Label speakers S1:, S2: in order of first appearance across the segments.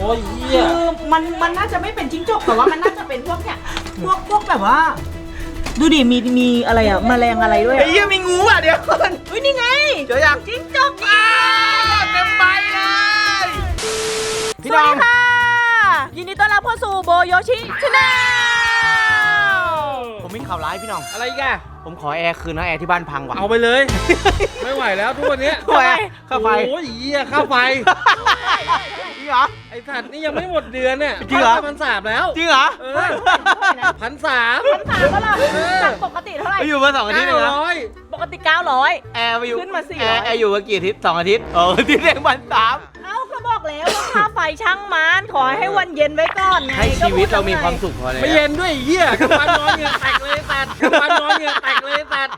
S1: ยเหี้ย
S2: คือมันน่าจะไม่เป็นจิ้งจกแต่ว่ามันน่าจะเป็นพวกเนี่ยพวกแบบว่าดูดิมีอะไรอะแมลงอะไรด้วย
S3: ไอ้เหี้ยมีงูอ่ะเดี๋ยวก่อน
S2: อุ้ยนี่ไง
S3: เจอยัง
S2: จิ้งจก
S3: เต็มใบเลยพี่
S2: ส
S3: น้
S2: วั
S3: อ
S2: ส
S3: ง
S2: ดีค่ะยินดีต้อนรับเข้าสู่โบโยชิชาแนล
S3: ผมมีข่าวร้ายพี่น้อง
S1: อะไรอีกอะ
S3: ผมขอแอร์คืนนะแอร์ที่บ้านพังว่ะ
S1: เอาไปเลย ไม่ไหวแล้วทุกวันนี้
S3: ทำไมค่าไฟ
S1: โอ้ยเหี้ยค่าไฟ
S3: จริงเหรอ
S1: ไอ้สัตว์นี่ยังไม่หมดเดือนเนี่ย
S3: จริงเหรอ
S1: 1,300แล้ว
S3: จริงเหรอ
S1: เออ1,300
S2: ถามว่าเราจากปกติเท่าไหร่
S3: ไปอยู่มา2 อาทิตย์เลยนะ
S1: 900
S2: ปกติ900
S3: แอร์ไปอยู่
S2: ขึ้นมา400
S3: แอร์อยู่มากี่อาทิตย์2 อาทิตย์อาทิตย์เอง1,300
S2: เอ้าก็บอกแล้วว่าค่าไฟช่างมันขอให้วันเย็นไว้ก่อนไง
S3: ให้ชีวิตเรามีความสุขพอแล้ว
S1: ไม่เย็นด้วยไอ้เหี้ยกลางวันนอนเหงื่อแตกเลยสัตว์กลางวันนอนเหงื่อแตกเลยสัตว์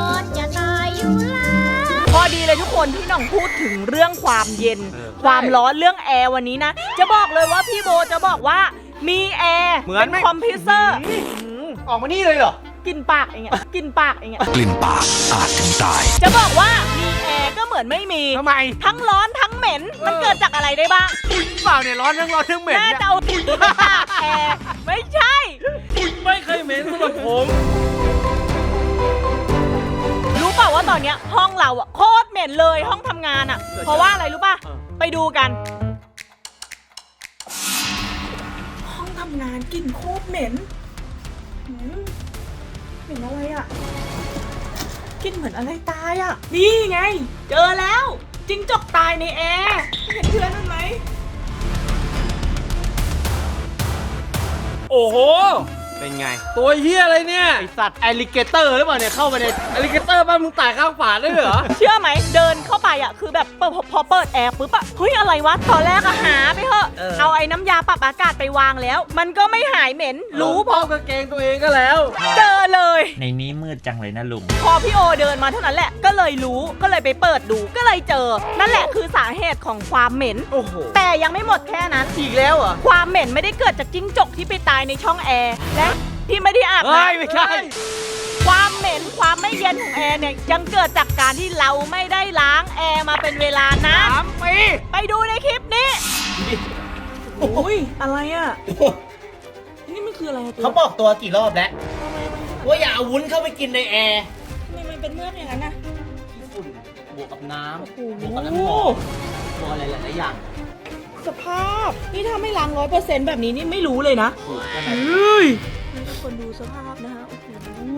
S2: พอดีเลยทุกคนที่น้องพูดถึงเรื่องความเย็น ความร้อนเรื่องแอร์วันนี้นะจะบอกเลยว่าพี่โบจะบอกว่ามีแอร์
S3: เหมือน
S2: เป็นคอมพิวเตอร์
S3: ออกมานี่เลยเหรอ
S2: กินปากอย่างเงี้ยกินปากอย่างเงี้ย
S4: กลิ่นปากอาจถึงตาย
S2: จะบอกว่ามีแอร์ก็เหมือนไม่มี
S3: ทำไม
S2: ทั้งร้อนทั้งเหม็นมันเกิดจากอะไรได้บ้าง
S3: เปล่าเนี่ยร้อนทั้งเหม็น
S2: น่า
S3: เนี่ย
S2: จะเอาติดปากแอร์ไม่ใช่
S1: ไม่เคยเหม็นสำหรับผม
S2: รู้เปล่าว่าตอนเนี้ยห้องเราอะโคตรเหม็นเลยห้องทำงานอะเพราะว่าอะไรรู้ป่ะไปดูกัน ห้องทำงานกลิ่นโคตรเหม็นเหม็นอะไรอะกลิ่นเหมือนอะไรตายอะนี่ไง เจอแล้วจิ้งจกตายในแอร์เห็นเพื่อนมันไหม
S1: โอ้โห
S3: เป็นไง
S1: ตัวเหี้ยอะไรเนี่ย
S3: ไอสัตว์แอลลิเกเตอร์หรือเปล่าเนี่ยเข้ามาใน
S1: อลิเกเตอร์บ้านมึงตายข้างฝาได้เหรอ
S2: เชื่อไหมเดินเข้าไปอ่ะคือแบบพอเปิดแอร์ปุ๊บอ่ะเฮ้ยอะไรวะตอนแรกอะหาไปเถอะเอาไอ้น้ำยาปรับอากาศไปวางแล้ว มันก็ไม่หายเหม็นรู้พ
S1: พ่
S2: อ
S1: อกางเกงตัวเองก็แล้ว
S2: เจอเลย
S4: ในนี้มืดจังเลยนะลุง
S2: พอพี่โอเดินมาเท่านั้นแหละก็เลยรู้ก็เลยไปเปิดดูก็เลยเจอ นั่นแหละคือสาเหตุของความเหม็น
S3: โอ้โห
S2: แต่ยังไม่หมดแค่นั้น
S3: อีกแล้วเหรอ
S2: ความเหม็นไม่ได้เกิดจากจิ้งจกที่ไปตายในช่องแอร์และที่ไม่ได้อาบ
S3: เฮ้
S2: น้
S3: ยไม่ใช่
S2: ำความเหม็นความไม่เย็นของแอร์เนี่ยยังเกิดจากการที่เราไม่ได้ล้างแอร์มาเป็นเวลานาน
S3: 3 ปี
S2: ไปดูในคลิปนี้โอ้ยอะไรอ่ะนี่มันคืออะไรอะตัว
S3: เขาบอกตัวกี่รอบแล้วว่าอย่าเอาวุ้นเข้าไปกินในแอร์
S2: ทำไมมันเป็นเมือกอย่างนั้นนะ
S3: ฝุ่นบวกกับน้
S2: โอ้โห
S3: ำบวกกับน้ำหอมบวกอะไรหลายๆอย่าง
S2: สภาพนี่ถ้าไม่ล้าง100%แบบนี้นี่ไม่รู้เลยนะ
S3: ถูกใช่ไหม
S2: เฮ้ยให้ทุกคนดูสภาพนะฮะโอ้โห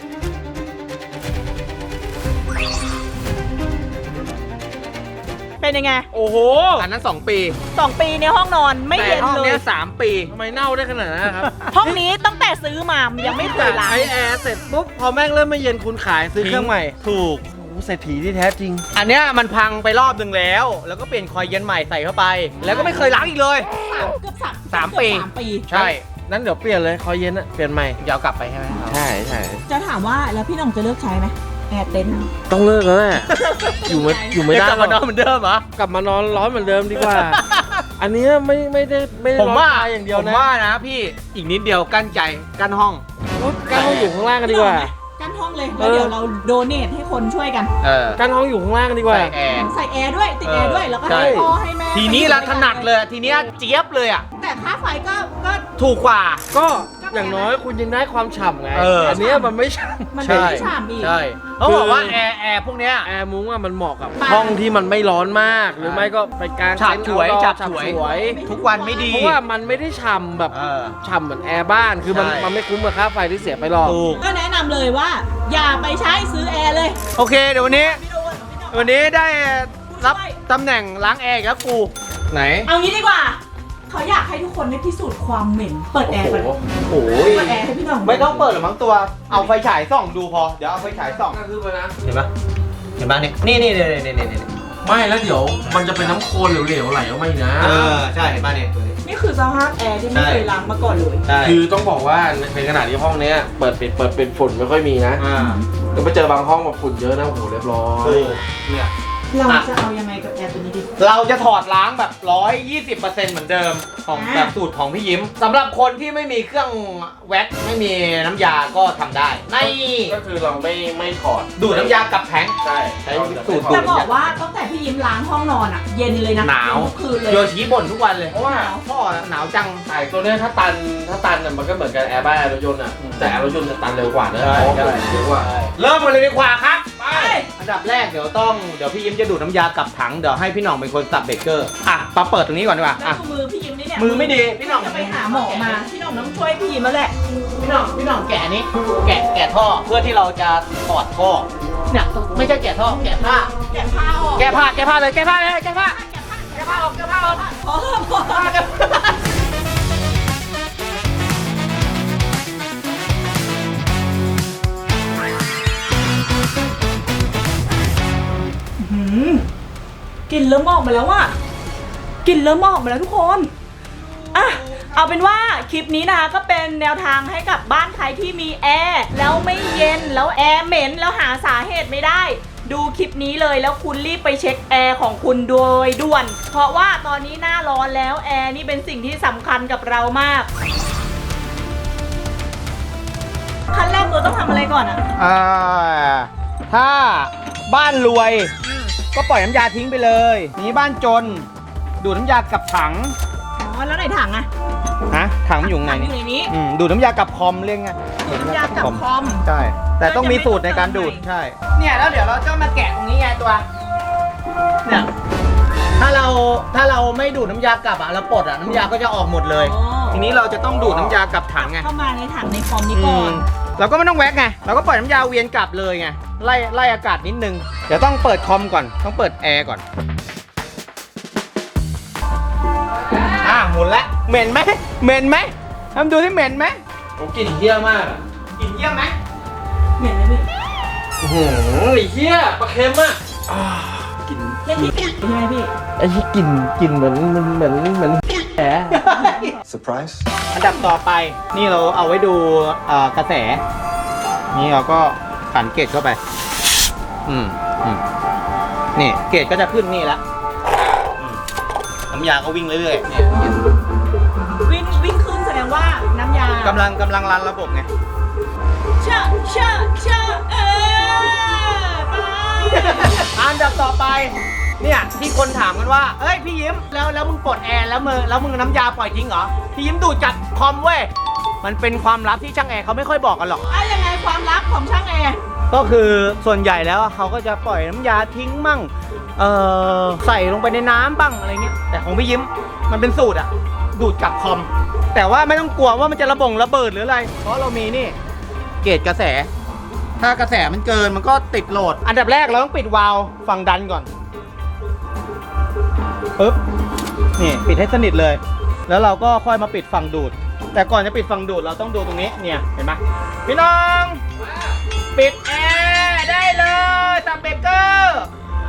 S2: เป็นยังไง
S1: โอ้โห
S3: อันนั้น2 ปี
S2: 2 ปีในห้องนอนไม่
S3: แต่
S2: เย็น
S3: ห้อง
S2: เล
S3: เนี้
S2: ย
S3: ย3 ปี
S1: ทำไมเน่าได้ขนาดนั้นนะครับ
S2: ห้องนี้ตั้งแต่ซื้อมายังไม่เคยล้าง
S1: ใช้แอร์เสร็จปุ๊บพอแม่งเริ่มไม่เย็นคุณขายซื้อเครื่องใหม่
S3: ถูก
S1: โอ้โหเศรษฐีที่แท้จริง
S3: อันเนี้ยมันพังไปรอบหนึ่งแล้ว แล้วก็เปลี่ยนคอยเย็นใหม่ใส่เข้าไป แล้วก็ไม่เคยล้างอีกเลย
S2: เกือบ
S3: 3 ปี
S2: 3 ปี
S3: ใช่
S1: นั้นเดี๋ยวเปลี่ยนเลยคอยเย็นอะเปลี่ยนใหม่
S3: เดี๋ยวเอากลับไปใช่ไหม
S1: ใช่ใช่
S2: จะถามว่าแล้วพี่หน้องจะเลิกใช้ไหมแอร์เต็นท์
S1: ต้องเลิกแล้วแหละอยู่ไม่ได้
S3: กลับมานอนเหมือนเดิมเหรอ
S1: กลับมานอนร้อนเหมือนเดิมดีกว่า อันเนี้ยไม่ได้
S3: ผมว่า
S1: ร้อนตอย่างเดียว
S3: ผม
S1: นะ
S3: ว่านะพี่อีกนิดเดียวกั้นใจกั้นห้อง
S1: กั้นห้องอยู่ข้างล่างกันดีกว่า
S2: กั้นห้องเลยแล้วเดี๋ยวเราโดเนทให้คนช่วยกัน
S1: กั้นห้องอยู่ข้างล่างกันดีกว่า
S3: ใส่แอร์
S2: ใส่แอร์ด้วยติดแอร์ด้วยแล้วก็
S3: ใช่
S2: ให้พ่อให้แม่
S3: ทีนี้ละถนัดเลยทีเนี้ยเจี๊ยบเลยอ่ะ
S2: แต่ค่าไฟก็
S3: ถูกกว่า
S1: ก็อย่างน้อยคุณยังได้ความฉ่ำไง
S3: เอออั
S1: นเนี้ยมันไม่ฉ่
S2: มัน
S1: ำ
S2: ไม่ได้ฉ่ำอีก
S3: ใช่เขาบอกว่าแอร์พวกเนี้ย
S1: แอร์มุ้งอะมันเหมาะกับ
S2: บ้าน
S1: ห้องที่มันไม่ร้อนมาก หรือไม่ก็ไปกลาง
S3: ฉาบ
S1: เต็นท์
S3: ฉวย
S1: เอาดอ
S3: ฉาบ
S1: ฉาบ
S3: ฉวย
S1: ฉวย
S3: ทุกวันไม่ดี
S1: เพราะว่ามันไม่ได้ฉ่ำแบบ
S3: เออ
S1: ฉ่ำเหมือนแอร์บ้านคือมัน
S3: ใช่
S1: มันไม่คุ้มกับค่าไฟที่เสียไปหรอก
S3: ถูก
S2: ก็แนะนำเลยว่า อย่าไปใช้ซื้อแอร์เลย
S3: โอเคเดี๋ยววันนี้
S2: พี่โดน
S3: วันนี้ได้รับตำแหน่งล้างแอร์อีกแล้วกูไหน
S2: เอางี้ดีกว่าเขาอยากให้ทุกคนได้พิสูจน์ความเหม็นเปิดแอร์ก่อน
S3: โอ้ย
S2: เปิดแอร์ให้พี่หน้อง
S3: ไม่ต้องเปิดหรอกมั้งตัวเอาไฟฉายส่องดูพอเดี๋ยวเอาไฟฉายส่อง
S1: ก็คือไปนะ
S3: เห็นปะเห็นปะเนี่ยนี่
S1: ไม่แล้วเดี๋ยวมันจะเป็นน้ำโคลนเหลวๆไหลออกมาอีกนะ
S3: ใช่เห็นปะเนี่ยตัวนี้
S2: นี่คือสภาพแอร์ที่ไม่เคยล้างมาก่อนเลย
S3: ใช่
S1: คือต้องบอกว่าในขณะที่ห้องเนี้ยเปิดปิดฝุ่นไม่ค่อยมีนะ
S3: อ่า
S1: ก็ไปเจอบางห้องแบบฝุ่นเยอะนะโอ้โหเรียบร้อย
S3: เนี่ย
S2: เราจะเอายังไงกับแอร์ตัวนี้ดี
S3: เราจะถอดล้างแบบ 120%เหมือนเดิมของแบบสูตรของพี่ยิ้มสำหรับคนที่ไม่มีเครื่องแว็กไม่มีน้ำยาก็ทำได้ใน
S1: ก็คือเราไม่ถอด
S3: ดูดน้ำยากับแทง
S1: ใช่
S3: ใช้สูตรดู
S2: แต่
S3: ด
S2: บอกว่าตั้งแต่พี่ยิ้มล้างห้องนอนอะเย็นเลยนะ
S3: หนาว
S2: ทุกคืนเลย
S3: โยชิบ่นทุกวันเลย
S1: เพราะว่า
S3: พ่อหนาวจัง
S1: ไอ้ตัวเนี้ยถ้าตันน่ะมันก็เหมือนกันแอร์บ้านแอร์รถยนต์อ่ะแต่แอร์รถยนต์จะตันเร็วกว่านะ
S3: ใช่
S1: เพราะว่า
S3: ใช่
S1: เร็วกว่า
S3: เริ่มกันเลยดีกว่าครับ
S1: ไป
S3: อันดับแรกเดี๋ยวพี่ยิ้มจะดูดน้ำยากับถังเดี๋ยวให้พี่หน่องเป็นคนสับเบรกเกอร์อ่ะมาเปิดตรงนี้ก่อนดีกว่า
S2: แล้ว
S3: อ่ะ
S2: ดูมือพี่ยิ้มนี่เนี่ย
S3: มือไม่ดีพี่หน่อง
S2: จะไปหาหมอมาพี่หน่องต้องช่วยพี่ยิ้มแล้วแหละ
S3: พี่หน่องแกะนี้แกะท่อเพื่อที่เราจะถอดท่อเนี่ยไม่ใช่แกะท่อแกะผ้า
S2: แกะผ้าออก
S3: แกะผ้าเลยแกะผ้าออก
S2: พอพอกลิ่นเริ่มออกมาแล้วอะกลิ่นเริ่มออกมาแล้วทุกคนอ่ะเอาเป็นว่าคลิปนี้นะคะก็เป็นแนวทางให้กับบ้านใครที่มีแอร์แล้วไม่เย็นแล้วแอร์เหม็นแล้วหาสาเหตุไม่ได้ ดูคลิปนี้เลยแล้วคุณรีบไปเช็คแอร์ของคุณโดยด่วน เพราะว่าตอนนี้หน้าร้อนแล้วแอร์นี่เป็นสิ่งที่สำคัญกับเรามากขั้นแรกเราต้องทำอะไรก่อนอะ
S3: ถ้าบ้านรวยก็ปล่อยน้ำยาทิ้งไปเลยนี่บ้านจนดูดน้ำยากับถัง
S2: อ๋อแล้วไหนถังอะ
S3: นะถังมันอยู่ไหน
S2: ถังอยู่ในนี้
S3: ดูดน้ำยากับคอมเรียกไง
S2: ดูดน้ำยากับคอม
S3: ใช่แต่ต้องมีสูตรในการดูดใช่เนี่ยแล้วเดี๋ยวเราจะมาแกะตรงนี้ไงตัวเนี่ยถ้าเราไม่ดูดน้ำยากลับอ่ะเราปลดอ่ะน้ำยาก็จะออกหมดเลย
S2: อ๋อ
S3: ทีนี้เราจะต้องดูดน้ำยากลับถังไง
S2: เข้ามาในถังในคอมนี้ก่อน
S3: เราก็ไม่ต้องแว็กไงเราก็ปล่อยน้ำยาเวียนกลับเลยไงไล่อากาศนิดนึงเดี๋ยวต้องเปิดคอมก่อนต้องเปิดแอร์ก่อนหมุนแล้วเหม็นไหมทำดูที่เหม็นไหม
S1: ผมกลิ่นเหี้ยมากอะ
S3: กลิ่นเยี่ยมไหม
S2: เหม็นไหมพี่
S1: ไอ้เหี้ยปลาเค็มอ่ะ
S2: เล่นที่ใช่ไหมพี่
S1: ไอ้ที่กลิ่นเหมือนแผล
S4: Surprise
S3: อันดับต่อไปนี่เราเอาไว้ดูกระแสนี่เราก็ขันเกจเข้าไปนี่เกจก็จะขึ้นนี่ละน้ำยาก็วิ่งเรื่อยๆเนี่ย
S2: วิ่งขึ้นแสดงว่าน้ำยาก
S3: ำลังรันระบบไง
S2: เชอะไป
S3: อันดับต่อไปเนี่ยที่คนถามกันว่าเอ้ยพี่ยิ้มแล้วมึงปลดแอร์แล้วมึงน้ำยาปล่อยทิ้งเหรอพี่ยิ้มดูดจากคอมเว้ยมันเป็นความลับที่ช่างแอร์เขาไม่ค่อยบอกกันหรอก
S2: ยังไงความลับของช่างแอร์
S3: ก็คือส่วนใหญ่แล้วเขาก็จะปล่อยน้ำยาทิ้งมั่งใส่ลงไปในน้ำบ้างอะไรเงี้ยแต่ของพี่ยิ้มมันเป็นสูตรอะดูดกับคอมแต่ว่าไม่ต้องกลัวว่ามันจะระเบิดหรืออะไรเพราะเรามีนี่เกจกระแสถ้ากระแสมันเกินมันก็ติดโหลดอันดับแรกเราต้องปิดวาล์วฝั่งดันก่อนปึ๊บนี่ปิดให้สนิทเลยแล้วเราก็ค่อยมาปิดฝั่งดูดแต่ก่อนจะปิดฝั่งดูดเราต้องดูตรงนี้เนี่ยเห็นไหมพี่น้องปิดแอร์ได้เลยสับเบรกเกอร์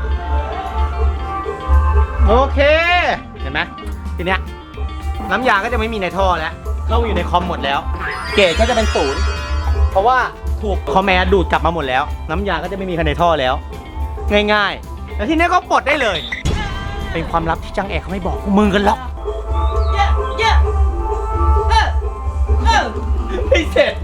S3: โอเคเห็นไหมทีเนี้ยน้ำยาก็จะไม่มีในท่อแล้วเข้าอยู่ในคอมหมดแล้วเกจก็จะเป็นศูนย์เพราะว่าถูกคอมแมร์ดูดกลับมาหมดแล้วน้ำยาก็จะไม่มีในท่อแล้วง่ายๆแล้วทีนี้ก็ปลดได้เลยเป็นความลับที่จังแอร์เขาไม่บอกพวกมึงกันหรอกไม่เสร็จ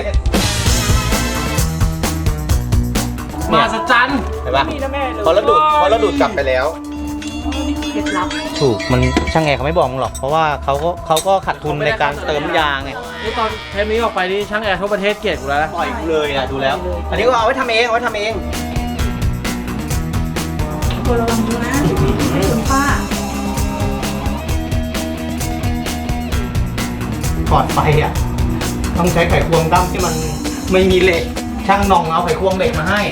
S1: มาสจัน
S3: เห็นปะ
S2: มีนะแม่เลย
S3: พอเราดูดกลับไปแล้ว
S2: เคล็ดลับ
S3: ถูกมันช่างแอร์เขาไม่บอกมึงหรอกเพราะว่าเขาก็ขาดทุนในการเติมยาไง
S1: นี่ตอนเทปนี้ออกไปนี่ช่างแอร์ทั่วประเทศเกลียดกูแล้วนะ
S3: ปล่อยกูเลยนะดูแล้ว อันนี้ก็เอาไว้ทำเอง
S2: ตัวระวังดูนะคุณป้า
S3: ถอดไฟอ่ะต้องใช้ไขควงด้ำที่มันไม่มีเหล็กช่างนองเอาไขควงเหล็กมาให้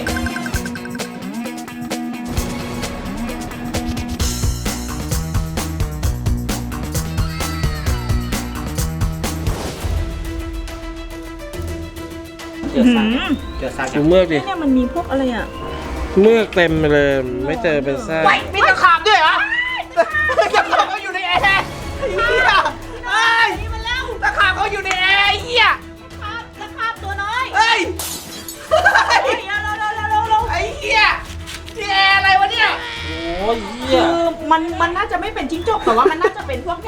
S3: เจอซาก
S1: ดูเมือกดิ
S2: เนี่ยมันมีพวกอะไรอ่ะ
S1: เมือกเต็มไปเลยไม่เจอเป็นซาก
S3: มีตะขาบด้วยเหรอตะขาบเขาอยู่ในแอร์ไอ้เหี้ยเอ้ย
S2: นี่มันแล้ว
S3: ตะขาบเขาอยู่ในแอร์ไอ้เหี้ย
S2: ตะขาบตัวน้อย
S3: เฮ้ย
S2: เร็ว
S3: ไอ้เหี้ยที่แอร์อะไรวะเนี่ย
S1: ร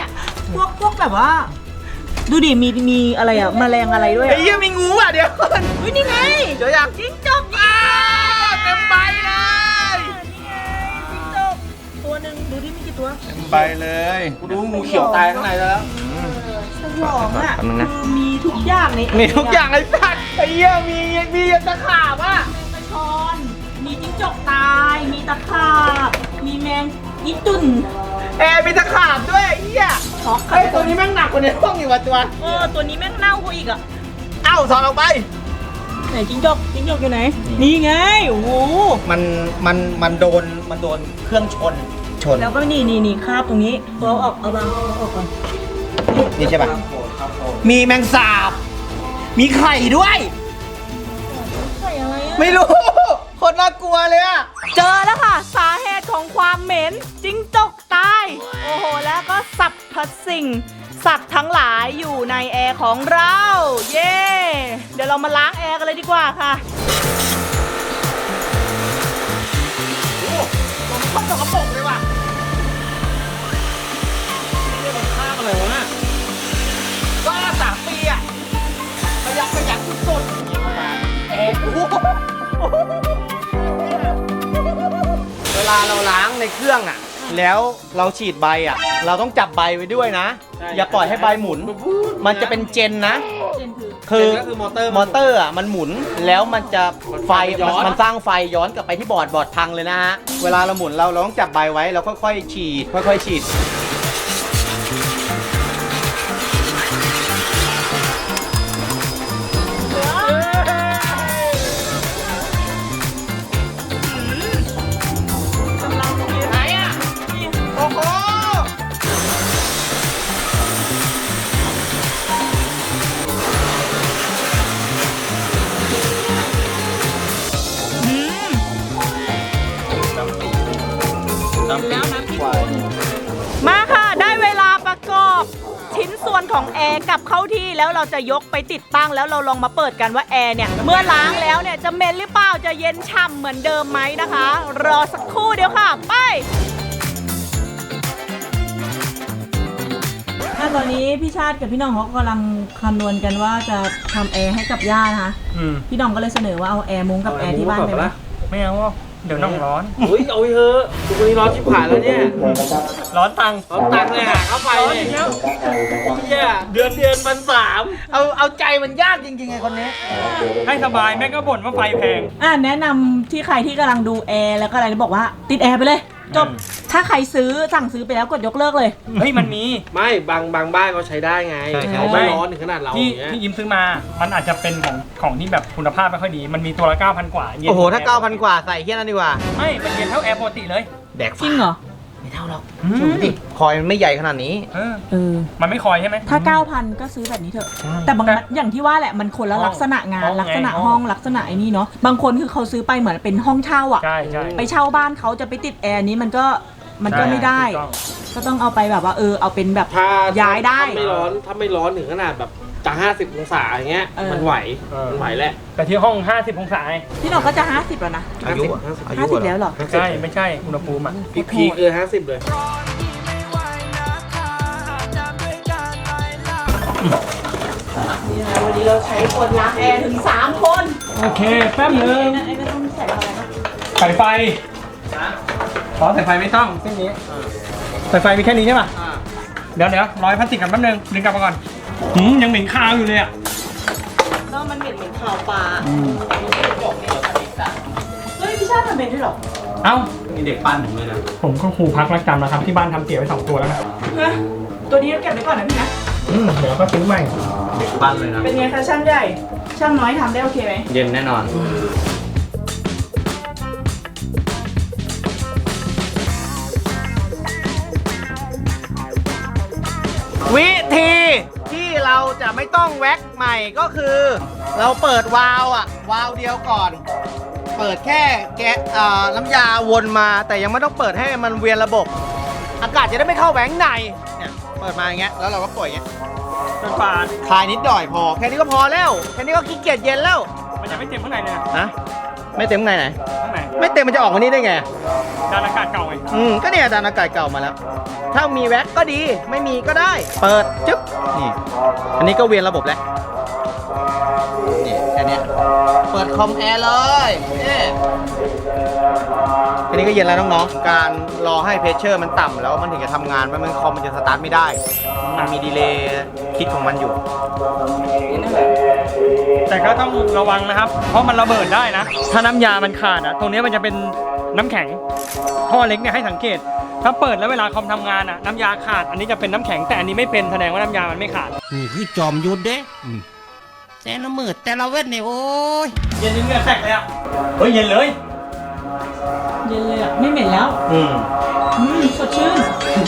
S2: พวกแบบว่า ดูดิมีอะไรอะแมลงอะไรด้วย
S3: ไอ้เหี้ยมีงูอ่ะเดี๋ยวก่อน
S2: เฮ้ยนี่ไง
S3: เดี๋ยวอยาก
S2: จิ้งจก
S3: เต็มใบเลย
S2: นี่ไงจิ้งจกตัวหนึ่งดูที่มีกี่ตัว
S3: เต็มใบเลยกูดูงูเขียวตายข้างในแล้ว
S2: สยองอ่ะ
S3: แป๊บนึงนะ
S2: คือมีทุกอย่างใน
S3: มีทุกอย่างไอ้สัตว์ไอ้เหี้ยมีตะขาบอ่ะ
S2: แมงกระชอนมีจิ้งจกตายมีตะขาบมีแมงอีตุ่น
S3: มีตะขาบด้วยไอ้เหี้ย
S2: ช็อก
S3: ไอ้ยตัวนี้แม่งหนักกว่าในห้องอีกว่ะตัว
S2: ตัวนี้แม่งเน่ากว่าอีกอ่ะ
S3: เอ้าถอดออกไป
S2: ไหนจิ้งจกอยู่ไหนนี่ไงโอ้โห
S3: มันโดนเครื่องชน
S2: แล้วก็นี่คราบตรงนี้เอาออกก่อน
S3: นี่ใช่ป่ะ มีแมงสาบ มีไข่ด้วย
S2: ใส่อะไรอ่ะ
S3: ไม่รู้ คนน่ากลัวเลยอะ
S2: เจอแล้วค่ะ สาเหตุของความเหม็นจิ้งจกตายโอ้โหแล้วก็สรรพสิ่งสัตว์ทั้งหลายอยู่ในแอร์ของเรา เย้เดี๋ยวเรามาล้างแอร์กันเลยดีกว่าค่ะ
S3: โอ้ผมชอบสกปรกเลยว่ะ
S1: ข้ามอะไรวะน่ะ
S3: ก็3 ปีอะประหยัดสุดๆเวลาเราล้างในเครื่องอะแล้วเราฉีดใบอะเราต้องจับใบไว้ด้วยนะ อย่าปล่อยให้ใบหมุน มันจะเป็นเจนนะ คือ
S1: ก็คือมอเตอร์
S3: มอเตอร์อ่ะมันหมุนแล้วมันจะไฟมันสร้างไฟย้อนกลับไปที่บอร์ดพังเลยนะฮะ เวลาเราหมุนเราต้องจับใบไว้แล้วค่อยๆฉีดค่อยๆฉีด ไหนอ่ะ โอ้โห
S2: มาค่ะได้เวลาประกอบชิ้นส่วนของแอร์กลับเข้าที่แล้วเราจะยกไปติดตั้งแล้วเราลองมาเปิดกันว่าแอร์เนี่ยเมื่อล้างแล้วเนี่ยจะเหม็นหรือเปล่าจะเย็นฉ่ำเหมือนเดิมไหมนะคะ รอสักครู่เดียวค่ะไปตอนนี้พี่ชาติกับพี่น้องเขากำลังคำนวณกันว่าจะทำแอร์ให้กับย่านะคะพี่น้องก็เลยเสนอว่าเอาแอร์มุ้งกับแอร์ที่บ้านไปไหม
S1: ไม่เอาเดี๋ยวน้องร้อนเฮ้ยเอาไปเถอะทุกวันนี้ร้อนชิบหายแล้วเนี่ย
S3: ร้อนตังค์
S1: ร้อนตังค์เลยหาเข้าไปเนี่ยเนี่ยเดือน1,300
S3: เอาใจมันยากจริงๆไอ้คนนี้
S1: ให้สบายแม่ก็บ่นว่าไฟแพง
S2: แนะนำที่ใครที่กำลังดูแอร์แล้วก็อะไรบอกว่าติดแอร์ไปเลยจบถ้าใครสั่งซื้อไปแล้วกดยกเลิกเลย
S1: เฮ้ยมันมีไม่บางบ้านเขาใช้ได้ไง
S3: ใช่
S1: เขาไม่ร้อนถึงขนาดเราอย่างเงี้ย
S5: ที่ยิ้มซื้อมา มันอาจจะเป็นของที่แบบคุณภาพไม่ค่อยดี มันมีตัวละ 9,000 กว่าเย็น
S3: โอ้โห ถ้า 9,000 กว่าใส่เฮี้ยนั่นดีกว่า
S5: ไม่ มันเย็นเท่าแอร์ปกติเลย
S3: แดก
S2: จริงเหรอ
S3: ไม่เท่าหรอก
S5: อืม
S3: ดูดิคอยมันไม่ใหญ่ขนาดนี้
S5: มันไม่คอยใช่ไหม
S2: ถ้า 9,000 ก็ซื้อแบบนี้เถอะ
S3: ใช่
S2: แต่บางอย่างที่ว่าแหละมันคนละลักษณะงาน
S5: ห้อง
S2: ลักษณะ
S5: ไง
S2: ห้องลักษณะไอ้นี่เนาะบางคนคือเขาซื้อไปเหมือนเป็นห้องเช่าอ่ะ
S5: ใช่ใช่
S2: ไปเช่าบ้านเขาจะไปติดแอร์นี้มันก็ไม่ได้
S5: ถูกต้อง
S2: ก็ต้องเอาไปแบบว่าเอาเป็นแบบ
S1: ถ้า
S2: ย้ายได้
S1: ถ้าไม่ร้อนถึงขนาดแบบจะ50 องศาอย่างเงี้ย
S2: เออ
S1: มันไหวมันไหวแหละ
S5: แต่ที่ห้อง 50 องศาไง
S2: พี่หน้องก็จะ50แล้วนะ
S3: อายุอะอายุ
S2: 50แล้วเหรอ
S5: ใช่ ไม่ใช่ อุณหภูมิอ่ะ
S1: พีคเลย50 เลย
S2: นี่นะวันนี้เราใช้คนล้างแอร์ถึง3 คน
S5: โอเค แป๊บนึง
S2: ไอ้ไม่ต้องใส่อะไรนะ
S5: สายไฟขอสายไฟไม่ต้องเส้นนี้สายไฟมีแค่นี้ใช่ป่ะ เดี๋ยวร้อยพลาสติกกันแป๊บนึงดึงกลับมาก่อนยังเหม็นคาวอยู่เลยอ่ะ
S2: แล้วมันเหม็นข่าวปลาเฮ้ยพี่ชาติทำเป็นด้วยเหรอ
S5: เอ้า
S3: มีเด็กปั้นผมเลยนะ
S5: ผมก็ครูพักรักจำแล้วครับ ที่บ้านทำเตี๋ยวไว้2 ตัวแล้วนะ
S2: นะตัวนี้เราเก็บไว้ก่อนนะพี่นะ
S5: เดี๋ยวก็ซื้อใหม่
S3: เด็กปั้นเลยนะ
S2: เป็นไงคะช่างใหญ่ ช่างน้อยทำได้โอเคไหม
S3: เย็นแน่นอน วิธีที่เราจะไม่ต้องแว็กใหม่ก็คือ เราเปิดวาล์วอะวาล์วเดียวก่อน เปิดแค่แก๊สน้ำยาวนมาแต่ยังไม่ต้องเปิดให้มันเวียนระบบ อากาศจะได้ไม่เข้าแหวงในเนี่ยเปิดมาอย่างเงี้ยแล้วเราก็ปล่อยอย่างเงี้ย
S5: เป็นฝา
S3: คลายนิดหน่อยพอแค่นี้ก็พอแล้วแค่นี้ก็ขี้เกียจเย็นแล้ว
S5: มันยังไม่เต็มข้างในเลยนะ
S3: นะไม่เต็มข้างในไหน
S5: ข้างใน
S3: ไม่เต็มมันจะออกมานี่ได้ไง
S5: ด้านอากาศเก่าไง
S3: ก็เนี่ยดันอากาศเก่ามาแล้ว แถ้ามีแว็กก็ดีไม่มีก็ได้ เปิดจึ๊บนี่อันนี้ก็เวียนระบบแล้วนี่แค่เนี้ยเปิดคอมแอร์เลยนี่อันนี้ก็เย็นแล้วน้องๆการรอให้เพรสเชอร์มันต่ำแล้วมันถึงจะทำงานมันคอมมันจะสตาร์ทไม่ได้มันมีดีเลย์คิดของมันอยู่
S5: แต่ก็ต้องระวังนะครับ เพราะมันระเบิดได้นะ ถ้าน้ำยามันขาดตรงนี้มันจะเป็นน้ำแข็งท่อเล็กเนี่ยให้สังเกต ถ้าเปิดแล้วเวลาคอมทำงานน้ำยาขาดอันนี้จะเป็นน้ำแข็งแต่อันนี้ไม่เป็นแสดงว่าน้ำยามันไม่ขาด
S6: นี่คือจอมยุทธเด้แต่ละมืดแต่ละเวทเนี่ยโอ้ย
S5: เย็นจนเหงื่อแตกเลยเฮ้ยเย็นเลย
S2: เย็นเลยอ่ะไม่เหม็นแล้วสดชื่น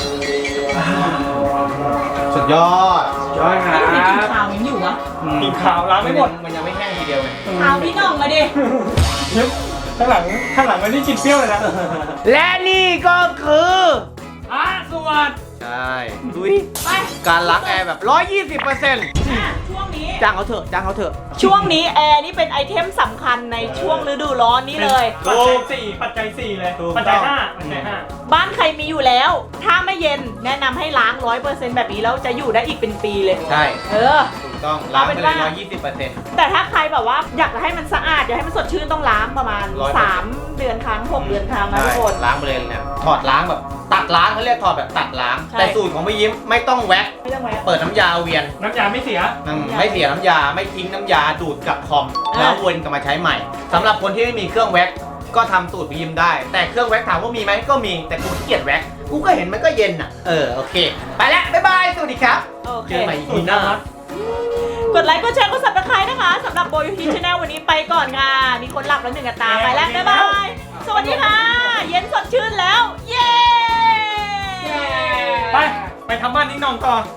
S3: สุดยอด
S5: ยอดครั
S2: ไม่ได้กิน
S5: บ
S2: ข้าวยังอยู่วะ
S5: กินข่าวล้างไม่หมด
S3: มันยังไม่แห้งทีเดียวไง
S2: ข้าวพี่น้องมาดิ
S5: ข้างหลังมันนี่กินเปรี้ยวเลยนะ
S3: และนี่ก็คือ
S5: สวัสด
S3: ใช่ดุย
S2: ไป
S3: การล้างแอร์แบบ 120%
S2: ช่วงนี้
S3: จ้างเขาเถอะจ้างเขาเถอะ
S2: ช่วงนี้แอร์นี่เป็นไอเทมสำคัญในช่วงฤดูร้อนนี้เลย
S5: ปัจจัยสี่เลย
S3: ถูก
S5: ปัจจัย
S3: ต้อง
S5: ห้าปัจจัยห้า
S2: บ้านใครมีอยู่แล้ว ถ้าไม่เย็นแนะนำให้ล้าง 100% แบบนี้แล้วจะอยู่ได้อีกเป็นปีเลย
S3: ใช่
S2: เออ
S3: ถูกต้องล้างไปเลย
S2: เอาเป็นว่า
S3: 120%
S2: แต่ถ้าใครแบบว่าอยากจะให้มันสะอาดอยากให้มันสดชื่นต้องล้างประมาณ
S3: 100%
S2: 3 เดือนครั้ง 6 เดือนครั้งนะ
S3: ใช่
S2: ทุกคน
S3: ล้างไปเลยเนี่ยถอดล้างแบบตัดล้างเขาเรียกถอดแบบตัดล้าง
S2: ใช่
S3: แต่สูตรของพี่ยิ้มไม่ต้องแว็ก
S2: ไม่ต้องแวะ
S3: เปิดน้ำยาเวียน
S5: น้ำยาไม่เสีย
S3: ไม่เสียน้ำยาไม่ทิ้งน้ำยาดูดกลับคอม แล้ววนกลับมาใช้ใหม่สำหรับคนที่ไม่มีเครื่องแว็กก็ทำสูตรพี่ยิ้มได้ แต่เครื่องแว็กถามว่ามีไหมก็มีแต่กูขี้เกียจแว็กกูก็เห็นมันก็เย็นอ่ะโอเคไปแล้วบ๊ายบายสวัสดีครับ
S2: โอเค
S3: เจอใหม่อีพีหน้า
S2: กดไลค์กดแชร์กด subscribe นะคะสำหรับโบยูทีชแนลวันนี้ไปก่อนค่ะมีคนหลับแล้วหนึ่งกับตาไปแล้วบ๊ายบายสวัสดีค่ะ เย็นสดชื่นแล้ว เย้
S5: ไปทำบ้านนิ้งนองต่อ